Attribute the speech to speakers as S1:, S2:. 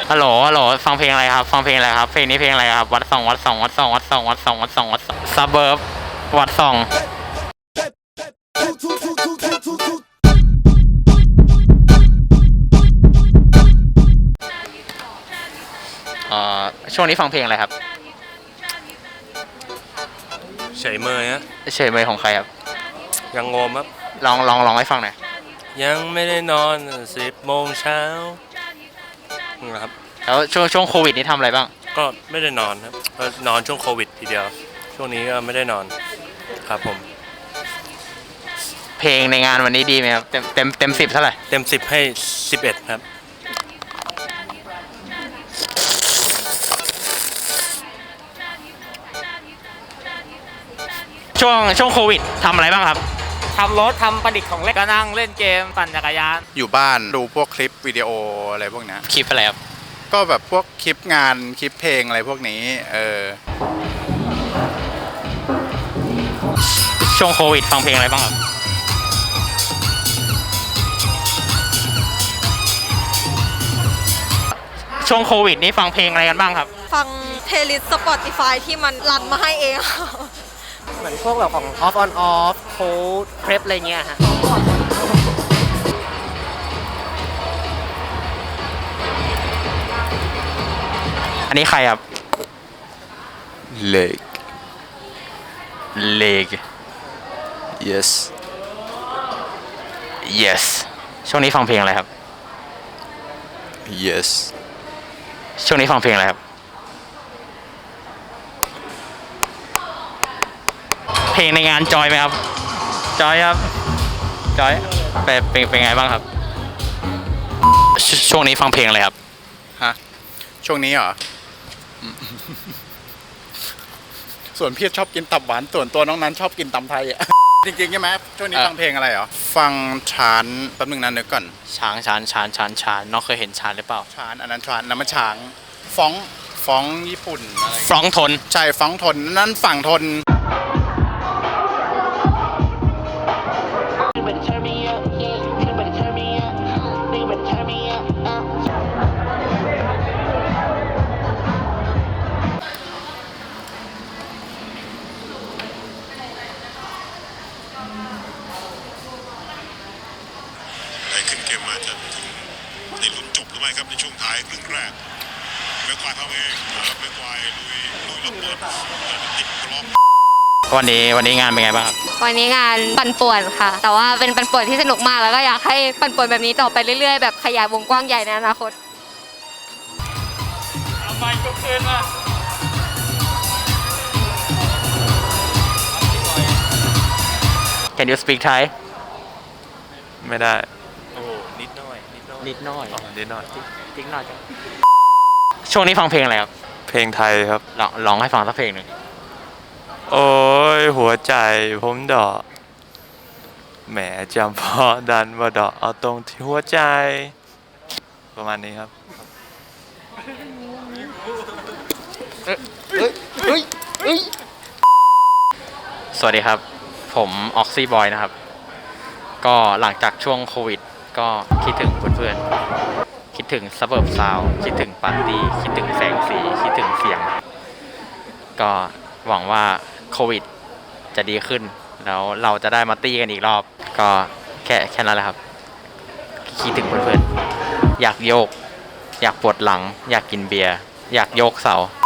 S1: ฮัลโหลฮัลโหลฟังเพลงอะไรครับฟังเพลงอะไรครับเพลงนี้เพลงอะไรครับวัดสองวัดสองวัดสองวัดสองวัดสองวัดสองวัดสองซับเบิร์บวัดสองช่วงนี้ฟังเพลงอะไรครับ
S2: เฉยเมยฮะ
S1: เฉยเมยของใครครับ
S2: ยังงมครับ
S1: ลองให้ฟังหน่อย
S2: ยังไม่ได้นอน10 โมงเช้านะครับ
S1: แล้วช่วงโควิดนี่ทำอะไรบ้าง
S2: ก็ไม่ได้นอนครับก็นอนช่วงโควิดทีเดียวช่วงนี้ก็ไม่ได้นอนครับผม
S1: เพลงในงานวันนี้ดีไหมครับเต็ม10เท่าไหร่
S2: เต็ม10ให้11ครับ
S1: ช่วงโควิดทำอะไรบ้างครับ
S3: ทำรถทำประดิษฐ์ของเล่นก็นั่งเล่นเกมปั่นจักรยาน
S4: อยู่บ้านดูพวกคลิปวิดีโออะไรพวกนี้
S1: คลิปอะไรครับ
S4: ก็แบบพวกคลิปงานคลิปเพลงอะไรพวกนี้
S1: ช่วงโควิดฟังเพลงอะไรบ้างครับช่วงโควิดนี้ฟังเพลงอะไรกันบ้างครับ
S5: ฟังเพลย์ลิสต์ Spotify ที่มันรันมาให้เอง
S3: เหมือนพวกแบบของ off on off cold prep อะไรเงี้ยฮะ
S1: อันนี้ใครครับ
S4: เล็ก yes
S1: ช่วงนี้ฟังเพลงอะไรครับ
S4: yes
S1: ช่วงนี้ฟังเพลงอะไรครับเพลงในงานจอยไหมครับจอยครับจอยเป็นไงบ้างครับช่วงนี้ฟังเพลงอะไรครับ
S4: ฮะช่วงนี้เหรอ ส่วนพี่ชอบกินตับหวานส่วนตัวน้องนั้นชอบกินตำไทยอ่ะ จริงๆใช่ไหมช่วงนี้ฟังเพลงอะไรเหรอฟังชานแป๊บนึงนะนึกก่อน
S1: ช้างน้องเคยเห็นช้างหรือเปล่า
S4: ชานอันนั้นชานน้ำมันช้างฟ้องญี่ปุ่นอะไร
S1: ฟ้องทน
S4: ใช่ฟ้องทนนั่นฝั่งทน
S6: ขึ้นเกมมาจะถึงได้ลุ้นจบหรือไม่ครับในช่วงท้ายครึ่งแรกเมควายพาเวเมควายลุยระเบิดติดกรอบ
S1: วันนี้งานเป็นไงบ้างครับ
S5: วันนี้งานปั่นป่วนค่ะแต่ว่าเป็นปั่นป่วนที่สนุกมากแล้วก็อยากให้ปั่นป่วนแบบนี้ต่อไปเรื่อยๆแบบขยายวงกว้างใหญ่ในอนาคต
S3: เอาไม้ยกขึ้นมา
S1: Can you speak Thai
S2: ไม่ได้โอ้นิดหน่อย
S1: ช่วงนี้ฟังเพลงอะไรครับ
S2: เพลงไทยครับ
S1: ลองให้ฟังสักเพลงหนึ่ง
S2: โอ้ยหัวใจผมดอกแหมจำพอดันมาดอกเอาตรงที่หัวใจประมาณนี้ครับ
S1: สวัสดีครับผมออกซี่บอยนะครับก็หลังจากช่วงโควิดก็คิดถึงเพื่อนๆคิดถึงซับเบิร์บซาวด์คิดถึงปาร์ตี้คิดถึงแสงสีคิดถึงเสียงก็หวังว่าโควิดจะดีขึ้นแล้วเราจะได้มาตี้กันอีกรอบก็แค่นั้นแหละครับคิดถึงเพื่อนๆอยากโยกอยากปวดหลังอยากกินเบียร์อยากโยกเสา